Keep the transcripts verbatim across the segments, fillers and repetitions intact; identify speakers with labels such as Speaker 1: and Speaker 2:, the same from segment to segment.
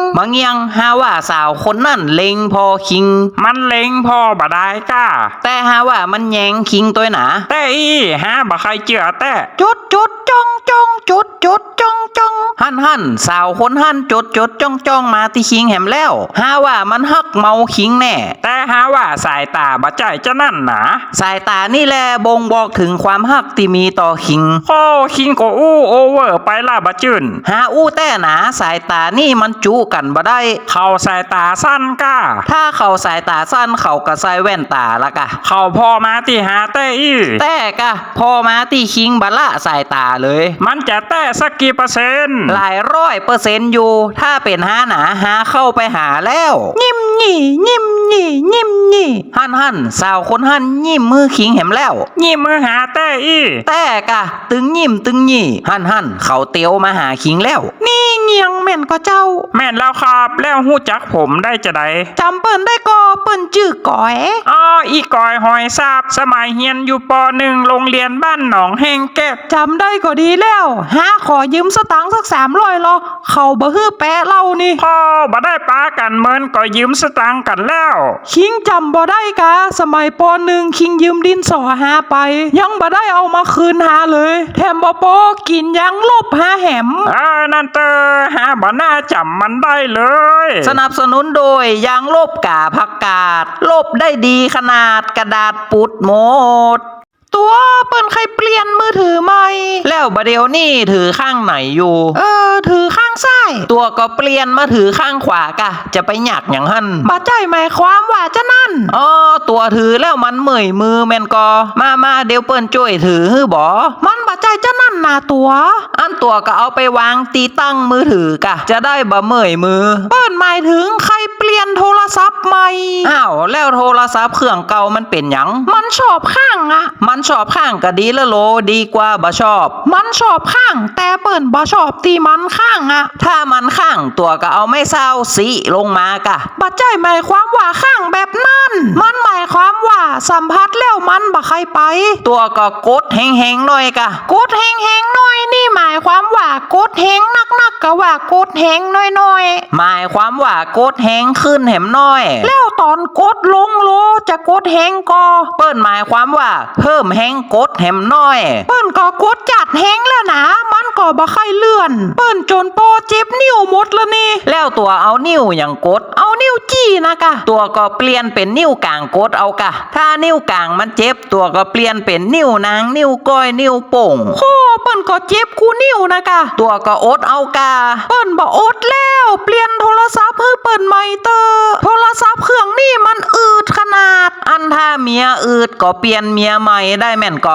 Speaker 1: บางยังหาว่าสาวคนนั่นเล็งพอคิง
Speaker 2: มันเล็งพอบ่ได้ก้า
Speaker 1: แต่หาว่ามันแยงคิงตัวหนา
Speaker 2: แต่อีฮะบ่ใครเจือแต่
Speaker 1: จุดจุดจ้องจ้องจุดจุดจ้องจ้องหันหันสาวคนหันจุดจุดจ้องจ้องมาที่คิงแหมแล้วหาว่ามันฮักเมาคิงแน่
Speaker 2: แต่หาว่าสายตาบ่ใจจะนั่นหนา
Speaker 1: สายตานี่แหละบ่งบอกถึงความฮักที่มีต่อคิง
Speaker 2: โอ้คิงก็อู้โอเวอร์ไปล่ะบ่จื่น
Speaker 1: หาอู้แต่หนาสายตานี่มันจูกันบ่ได้
Speaker 2: เขาสายตาสั้นก้า
Speaker 1: ถ้าเขาสายตาสั้นเขาก็ใส่แว่นตาละกะ
Speaker 2: เขาพอมาที่หาแต่อี
Speaker 1: แต่กะพอมาที่คิงบละสายตาเลย
Speaker 2: มันจะแต่สักกี่เปอร์เซ็นต์
Speaker 1: หลายร้อยเปอร์เซ็นต์อยู่ถ้าเป็นหาหนาหาเข้าไปหาแล้วยิ้มหนี่ยิ้มหนี่ยิ้มหนี่หันหันสาวคนหันยิ้มมือคิงแหมแล้ว
Speaker 2: ยิ้มมือหาแต่อี
Speaker 1: แต่กะตึงยิ้มตึงหนี่หันหันเขาเตียวมาหาคิงแล้วนี่เงียงแม่นก็เจ้า
Speaker 2: แม่นแล้วครับแล้วหู้จักผมได้จะได
Speaker 1: จำเปิ้นได้ก็เปิ้นชื่อก๋อย
Speaker 2: อ๋ออีก๋อยหอยซาบสมัยเฮียนอยู่ปหนึ่งโรงเรียนบ้านหนองแห้งแก้ว
Speaker 1: จำได้ก็ดีแล้วหาขอยืมสตังค์สักสามร้อยหรอเขาบ่ฮื้อแปะเล่านี่
Speaker 2: พอบ่ได้ป้ากันเมินก็ยืมสตังค์กันแล้ว
Speaker 1: คิงจำบ่ได้กะสมัยปหนึ่งคิงยืมดินสอหาไปยังบ่ได้เอามาคืนหาเลยแถมบ่โปกินยังลบหาแหม
Speaker 2: เออนั่นเตอหาบ่น่าจำมันได้เลย
Speaker 1: สนับสนุนโดยยางลบกาผักกาดลบได้ดีขนาดกระดาษปุดหมดตัวเปิ้นใครเปลี่ยนมือถือใหม่แล้วบะเดียวนี่ถือข้างไหนอยู่เออถือข้างซ้ายตัวก็เปลี่ยนมาถือข้างขวากะจะไปหยักอย่างหั่นบ่ใจหมายความว่าจะนั่นอ๋อตัวถือแล้วมันเมื่อยมือแม่นก็มามาเดี๋ยวเปิ้นช่วยถือฮื้อบ่มันบ่ใจจะนั่นนาตัวอันตัวก็เอาไปวางตีตั้งมือถือกะจะได้บ่เมื่อยมือเปิ้นหมายถึงใครเปลี่ยนโทรศัพท์ใหม่อ้าวแล้วโทรศัพท์เครื่องเก่ามันเป็นหยังมันชอบข้างอะมันชอบข้างก็ดีละโลดีกว่าบ่ชอบมันชอบข้างแต่เปิ้นบ่ชอบที่มันข้างอะถ้ามันข้างตัวก็เอาไม่เศร้าสิลงมากะบ่ใจหมายความว่าข้างแบบนั้นมันหมายความว่าสัมผัสแล้วมันบ่ใครไปตัวก็กดแหงๆหน่อยกะกดแหงๆหน่อยนี่หมายความว่ากดแหงนักๆก็ว่ากดแหงน้อยๆหมายความว่ากดแหงขึ้นแหมน้อยแล้วตอนกดลงโลจะกดแหงก็เปิ้นหมายความว่าเพิ่มแหงกดแหมน้อยเปิ้นก็กดจัดแหงแล้วนะมันก็บ่ค่อยเลื่อนเปิ้นจนโปเจ็บนิ้วหมดแล้วนี่แล้วตัวเอานิ้วอย่างกดเอานิ้วจี้นะกะตัวก็เปลี่ยนเป็นนิ้วกลางกดเอากะถ้านิ้วกลางมันเจ็บตัวก็เปลี่ยนเป็นนิ้วนางนิ้วก้อยนิ้วโป่งโอ้เปิ้นก็เจ็บกูนิ้วนะกะตัวก็อดเอากะเปิ้นบ่อดแล้วเปลี่ยนโทรศัพท์ให้เปิ้นใหม่เตอโทรศัพท์เครื่องนี้มันอืดขนาดอันถ้าเมียอืดก็เปลี่ยนเมียใหม่ได้แม่นก็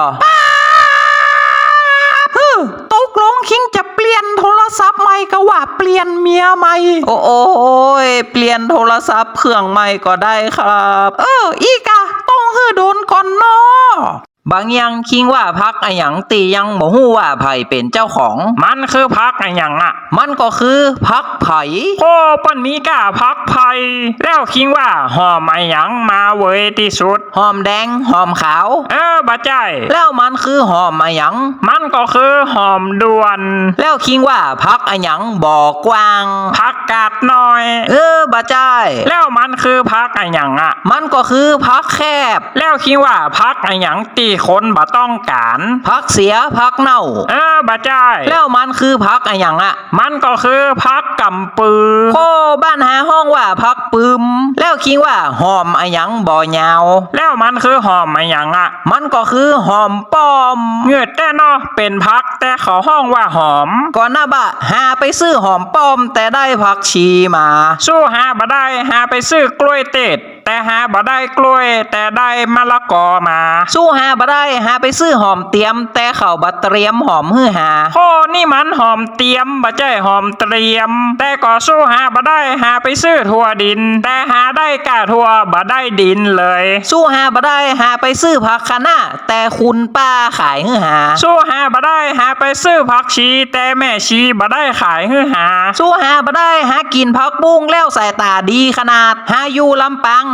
Speaker 1: ตกลงคิงจะเปลี่ยนโทรศัพท์ใหม่ก็ว่าเปลี่ยนเมียใหม่โอ้โอ้ยเปลี่ยนโทรศัพท์เครื่องใหม่ก็ได้ครับเอออีกะต้องฮื้อโดนก่อนเนาะบางยังคิงว่าพักอะหยังตียังบ่ฮู้ว่าไผเป็นเจ้าของ
Speaker 2: มันคือพักอะหยังอ่ะ
Speaker 1: มันก็คือพักไผ
Speaker 2: โอ้ปั้นมีกะพักไผแล้วคิงว่าหอมอะหยังมาเว้ยที่สุด
Speaker 1: หอมแดงหอมขาว
Speaker 2: เออบ่ใจ
Speaker 1: แล้วมันคือหอมอะหยัง
Speaker 2: มันก็คือหอมด่วน
Speaker 1: แล้วคิงว่าพักอะหยังบ่กว้าง
Speaker 2: พักกาดน้อย
Speaker 1: เออบ่ใจ
Speaker 2: แล้วมันคือพักอะหยังอ่ะ
Speaker 1: มันก็คือพักแคบ
Speaker 2: แล้วคิงว่าพักอะหยังตีคนบ่ต้องการ
Speaker 1: พักเสียพักเน่า
Speaker 2: เออบ่ใจ
Speaker 1: แล้วมันคือพักอะหยังอ่ะ
Speaker 2: มันก็คือพักกำปือ
Speaker 1: โคบ้านหาห้องว่าพักปึมแล้วคิงว่าหอมอะหยังบ่ยาว
Speaker 2: แล้วมันคือหอมอะหยังอ่ะ
Speaker 1: มันก็คือหอมป้อม
Speaker 2: เงือดแต่เนาะเป็นพักแต่เขาห้องว่าหอม
Speaker 1: ก่อนหน้าบะหาไปซื้อหอมป้อมแต่ได้ผักชีมา
Speaker 2: สู้หาบ่ได้หาไปซื้อกล้วยเต็ดแต่หาบ่ได้กล้วยแต่ได้มะละกอมา
Speaker 1: สู้หาบ่ได้หาไปซื้อหอมเตรียมแต่เขาบ่เตรียมหอมฮื้อหา
Speaker 2: โอ้นี่มันหอมเตรียมบ่ใช่หอมเตรียมแต่ก็สู้หาบ่ได้หาไปซื้อถั่วดินแต่หาได้กะถั่วบ่ได้ดินเลย
Speaker 1: สู้หาบ่ได้หาไปซื้อผักคะน้าแต่คุณป้าขายฮื้อหา
Speaker 2: สู้หาบ่ได้หาไปซื้อผักชีแต่แม่ชีบ่ได้ขายฮื้อหา
Speaker 1: สู้หาบ่ได้หากินผักบุ้งแล้วสายตาดีขนาดหาอยู่ลำปาง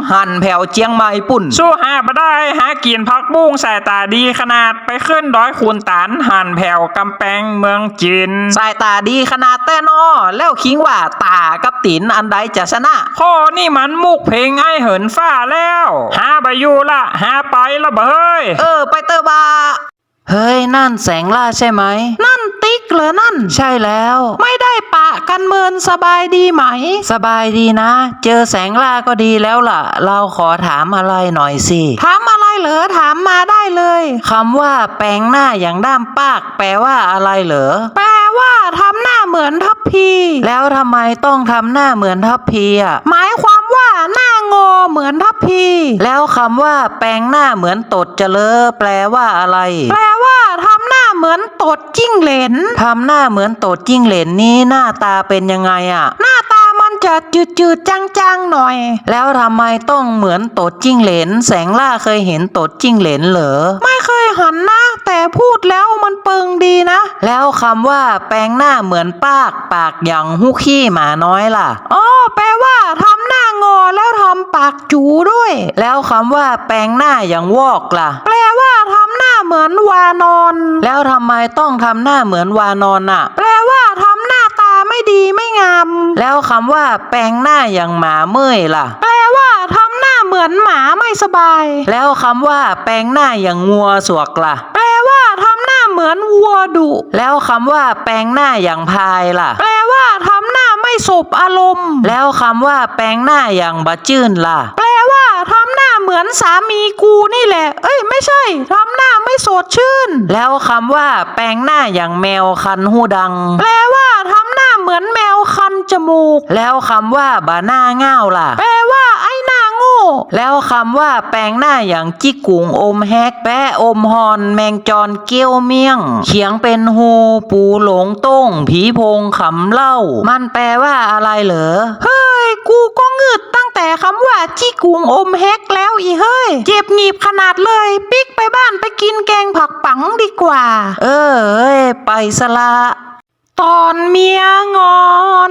Speaker 1: หันแผ่วเจียงใหม่ปุ่น
Speaker 2: สู้หาบ่ได้หากินผักบุ้งสายตาดีขนาดไปขึ้นดอยคูนตานหันแผ่วกำแพงเมืองจีน
Speaker 1: สายตาดีขนาดแต่นอแล้วคิงว่าตากับตีนอันใดจะชนะ
Speaker 2: ข้อนี่มันมุกเพลงไอ้เหินฟ้าแล้วหาไปอยู่ละหาไปละเบย
Speaker 1: เออไปเตอร์บาเฮ้ยนั่นแสงล่าใช่ไหมนั่นติ๊กเหรอนั่นใช่แล้วไม่ได้ปะกันเมินสบายดีไหม สบายดีนะ เจอแสงล่าก็ดีแล้วล่ะ เราขอถามอะไรหน่อยสิถามอะไรเหรอถามมาได้เลยคำว่าแปลงหน้าอย่างด้ามปากแปลว่าอะไรเหรอแปลว่าทำหน้าเหมือนทัพพีแล้วทำไมต้องทำหน้าเหมือนทัพพีอ่ะหมายความว่าหน้างอเหมือนทัพพีแล้วคำว่าแปลงหน้าเหมือนตดเจริญแปลว่าอะไร แปลว่าทำหน้าเหมือนตดจิ้งเหลนทำหน้าเหมือนตดจิ้งเหลนนี้หน้าตาเป็นยังไงอ่ะ หน้าตามันจะจืดๆจางๆหน่อย แล้วทำไมต้องเหมือนตดจิ้งเหลนแสงล่าเคยเห็นตดจิ้งเหลนเหรอไม่เคยหันนะ แต่พูดแล้วมันเปิงดีนะ แล้วคำว่าแปลงหน้าเหมือนปากปากอย่างหุกขี้หมาน้อยล่ะอ๋อแปลว่าทำหน้างอแล้วทำปากจูด้วย แล้วคำว่าแปลงหน้าอย่างวอกล่ะ แปลว่าทำหน้าเหมือนวานอน แล้วทำไมต้องทำหน้าเหมือนวานอนอ่ะ แปลว่าทำหน้าตาไม่ดีไม่งาม แล้วคำว่าแปลงหน้าอย่างหมาเมื่อยล่ะ แปลว่าทำหน้าเหมือนหมาไม่สบาย แล้วคำว่าแปลงหน้าอย่างงัวสวกล่ะ แปลว่าทำหน้าเหมือนวัวดุ แล้วคำว่าแปลงหน้าอย่างพายล่ะ แปลว่าทำหน้าไม่สบอารมณ์ แล้วคำว่าแปลงหน้าอย่างบะจื้นล่ะ แปลว่าทำหน้าเหมือนสามีกูนี่แหละ เอ้ยไม่ใช่ทำหน้าไม่สดชื่น แล้วคำว่าแปลงหน้าอย่างแมวคันหูดัง แปลว่าทำหน้าเหมือนแมวคันจมูก แล้วคำว่าบาหน้าง่าวล่ะ แปลว่าไอ้หน้าโง่ แล้วคำว่าแปลงหน้าอย่างจิกกุงอมแฮกแปะอมฮอนแมงจรเกี้ยวเมี่ยงเขียงเป็นฮูปูหลงต้งผีโพงขำเล่า มันแปลว่าอะไรเหรอเฮ้ยกูก็งึดตั้งแต่คำว่าจิกกุงอมแฮกแล้วอีเฮ้ยเจ็บหนีบขนาดเลยปิ๊กไปบ้านไปกินแกงผักปังดีกว่า เออเอ้ยไปสละตอนเมียงอน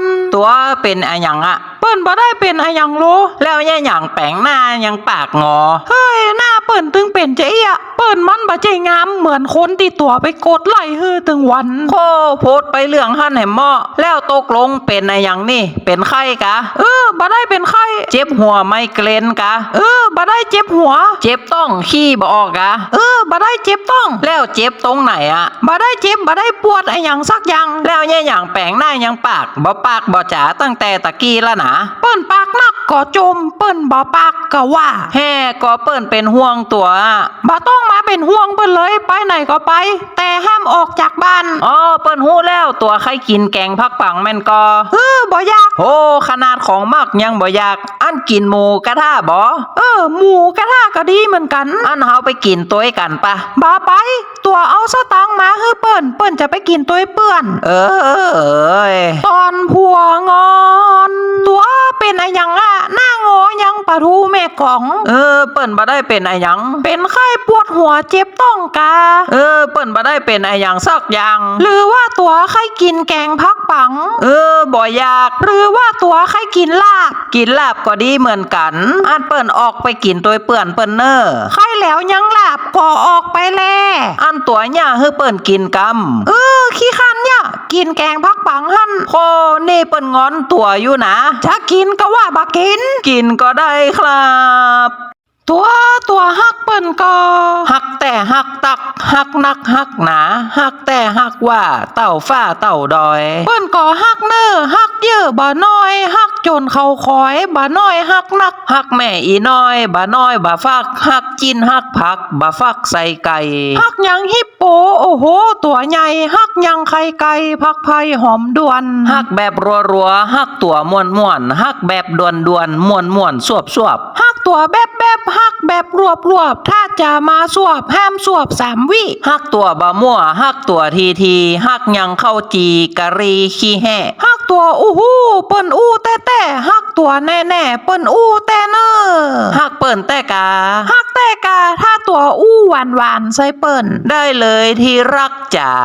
Speaker 1: ตัวเป็นอะหยังอะเปิ้นบ่ได้เป็นอะหยังโลแล้วแย่หยังแปลงหน้ายังปากงอเฮ้ยหน้าเปิ้นตึงเป็นใจอะเปิ้นมันบ่ใจงามเหมือนคนที่ตัวไปกดไล่ฮือตึงวันโคโพดไปเรื่องหั่นให้เหมาะแล้วตกลงเป็นอะหยังนี่เป็นไข้กะเออบ่ได้เป็นไข้เจ็บหัวไมเกรนกะเออบ่ได้เจ็บหัวเจ็บต้องขี้บ่ออกกะเออบ่ได้เจ็บต้องแล้วเจ็บตรงไหนอะบ่ได้เจ็บบ่ได้ปวดอะหยังสักอย่างแล้วแย่หยังแปลงหน้ายังปากบ่ปากบ่จ๋าตั้งแต่ตะกี้แล้วนะเปิ้นปากนักก็จมเปิ้นบ่ปากก็ว่าแฮ่ก็เปิ้นเป็นห่วงตัวบ่ต้องมาเป็นห่วงเปิ้นเลยไปไหนก็ไป แต่ห้ามออกจากบ้านอ๋อเปิ้นฮู้แล้วตัวใครกินแกงผักปังแม่นก็เออบ่อยากโหขนาดของมักยังบ่อยากอันกินหมูกระทะบ่เออหมูกระทะก็ดีเหมือนกันอันเฮาไปกินตัวกันปะบ่ไปตัวเอาสตังค์มาให้เปิ้นเปิ้นจะไปกินตัวเปื้อนเออเอ้ยตอนผัวงอนตัวเป็นอะหยังอะหน้างอยังปะทูแม่กองเออเปิ้นบ่ได้เป็นอะหยังเป็นไข้ปวดหัวเจ็บต้องกาเออเปิ้นบ่ได้เป็นอะหยังสักอย่างหรือว่าตัวไข้กินแกงผักปังเออบ่อยากหรือว่าตัวไข้กินลาบกินลาบก็ดีเหมือนกันอันเปิ้นออกไปกินตัวเปื้อนเปิ้นเนอไข้แล้วยังลาบก็ออกไปแลอันตัวเนี่ยให้เปิ้นกินกำเออขี้คันเนี่ยกินแกงผักปังหั่นโคนี่เปิ้นงอนตัวอยู่นะจะกินก็ว่าบ่กินกินก็ได้ครับตัวตัวฮักเปิ้นก็ฮักแต่ฮักตักฮักนักฮักหนาฮักแต่ฮักว่าเต่าฟ้าเต่าดอยเปิ้นก็ฮักเน้อฮักเยอะบ่น้อยฮักจนเขาคอยบ่น้อยฮักนักฮักแม่อีน้อยบ่น้อยบ่ฟักฮักจินฮักผักบ่ฟักใส่ไก่ฮักหยังฮิปโปโอ้โหตัวใหญ่ฮักหยังไข่ไก่ผักไผ่หอมด่วนฮักแบบรัวๆฮักตัวม่วนๆฮักแบบด่วนๆม่วนๆสวบๆฮักตัวแบบแบบฮักแบบรวบรวบถ้าจะมาสวบห้ามสวบสามวิฮักตัวบะมั่วฮักตัวทีทีฮักยังเข้าจีกะรีขี้แห่ฮักตัวอู้หูเปิ้นอู้แต่แต่ฮักตัวแน่แน่เปิ้นอู้แต่เนอฮักเปิ้นแต่กาฮักแต่กาถ้าตัวอู้หวานหวานใส่เปิ้นได้เลยที่รักจ๋า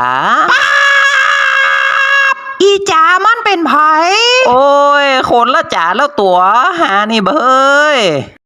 Speaker 1: อีจ๋ามันเป็นไผโอ้ยคนละจ๋าแล้วตัวหานี่เบ้ย